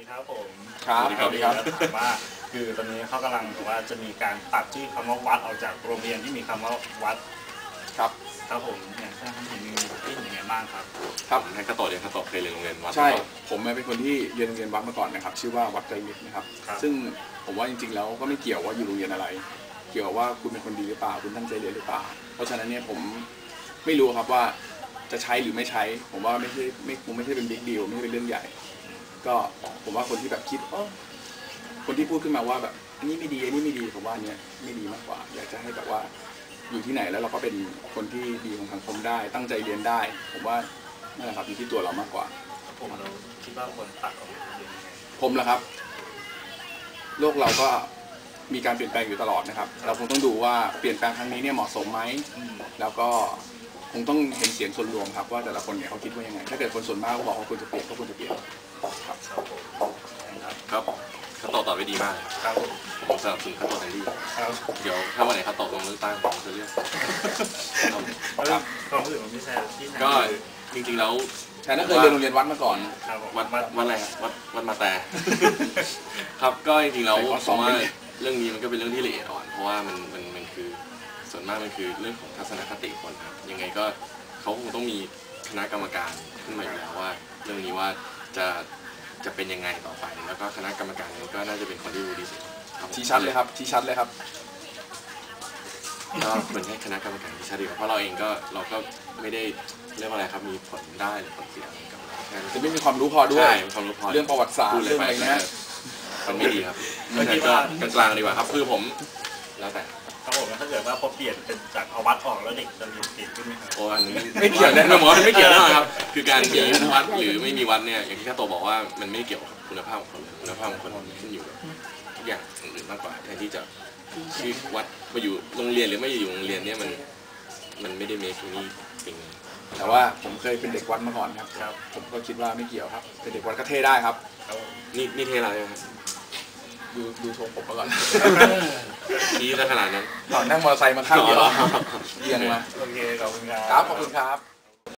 ดีครับผมครับสวัสดีครับถามว่าคือตอนนี้เขากำลังบอกว่าจะมีการตัดชื่อคำว่าวัดออกจากโรงเรียนที่มีคำว่าวัดครับครับผมเนี่ยท่านเห็นมีที่เห็นยังไงบ้างครับครับให้ข้าโตเรียนข้าโตเคยเรียนโรงเรียนวัดใช่ผมเป็นคนที่เรียนโรงเรียนวัดมาก่อนนะครับชื่อว่าวัดไตรมิตรนะครับซึ่งผมว่าจริงๆแล้วก็ไม่เกี่ยวว่าอยู่โรงเรียนอะไรเกี่ยวว่าคุณเป็นคนดีหรือเปล่าคุณตั้งใจเรียนหรือเปล่าเพราะฉะนั้นเนี่ยผมไม่รู้ครับว่าจะใช้หรือไม่ใช้ผมว่าคงไม่ใช่เป็นบิ๊กดีลไม่ใช่เป็นเรื่องใหญ่ก็ผมว่าคนที่แบบคิดคนที่พูดขึ้นมาว่าแบบอันนี้ไม่ดีอันนี้ไม่ดีผมว่าเนี่ยไม่ดีมากกว่าอยากจะให้แบบว่าอยู่ที่ไหนแล้วเราก็เป็นคนที่ดีของสังคมได้ตั้งใจเรียนได้ผมว่านั่นแหละครับอยู่ที่ตัวเรามากกว่าผมเราคิดว่าคนตัดออกจากโรงเรียนยังไงผมเหรอครับโลกเราก็มีการเปลี่ยนแปลงอยู่ตลอดนะครับเราคงต้องดูว่าเปลี่ยนแปลงครั้งนี้เนี่ยเหมาะสมไหมแล้วก็คงต้องเห็นเสียงส่วนรวมครับว่าแต่ละคนเนี่ยเขาคิดว่ายังไงถ้าเกิดคนส่วนมากเขาบอกว่าควรจะเปลี่ยนก็ควรจะเปลี่ยนครับครับข้าโตตอบไว้ดีมากครับผมสนับสนุนข้าโตเต็มที่เดี๋ยวถ้าวันไหนข้าโตลงเลือกตั้งผมจะเลือกความรู้สึกของพี่แซมก็จริงๆแล้วแต่นั่นเคยเรียนโรงเรียนวัดมาก่อนวัดอะไรวัดมาแต่ครับก็จริงๆแล้วผมว่าเรื่องนี้มันก็เป็นเรื่องที่ละเอียดอ่อนเพราะว่ามันคือส่วนมากมันคือเรื่องของทัศนคติคนครับยังไงก็เขาคงต้องมีคณะกรรมการขึ้นมาอยู่แล้วว่าเรื่องนี้ว่าจะเป็นยังไงต่อไปแล้วก็คณะกรรมการนี้ก็น่าจะเป็นคนที่รู้ดีสุดชี้ชัดเลยครับชี้ชัดเลยครับก็ควรให้คณะกรรมการชี้ชัดดีกว่าเพราะเราเองก็ไม่ได้เรียกว่าอะไรครับมีผลได้หรือผลเสียอะไรกับจะไม่มีความรู้พอด้วยความรู้พอเรื่องประวัติศาสตร์เรื่องอะไรนะมันไม่ดีครับก็กลางๆดีกว่าครับคือผมแล้วแต่ครับผมถ้าเกิดว่าพอเปลี่ยนเป็นจากเอาวัดออกแล้วเด็กจะเรียนเก่งขึ้นไหมครับโอ้อันนี้ไม่เกี่ยวแน่นอนไม่เกี่ยวแน่นอนครับคือการมีวัดหรือไม่มีวัดเนี่ยอย่างที่ข้าโตบอกว่ามันไม่เกี่ยวกับคุณภาพของคนคุณภาพของคนขึ้นอยู่กับทุกอย่างอื่นมากกว่าแทนที่จะชื่อวัดมาอยู่โรงเรียนหรือไม่อยู่โรงเรียนเนี่ยมันไม่ได้เมคนี่เป็นแต่ว่าผมเคยเป็นเด็กวัดมาก่อนครับผมก็คิดว่าไม่เกี่ยวครับเป็นเด็กวัดก็เท่ได้ครับนี่เท่อะไรครับดูโชว์ผมมาก่อนชี้ซะขนาดนั้นนั่งมอเตอร์ไซค์มาข้างเดียวเยี่ยงมาโอเคขอบคุณครับครับขอบคุณครับ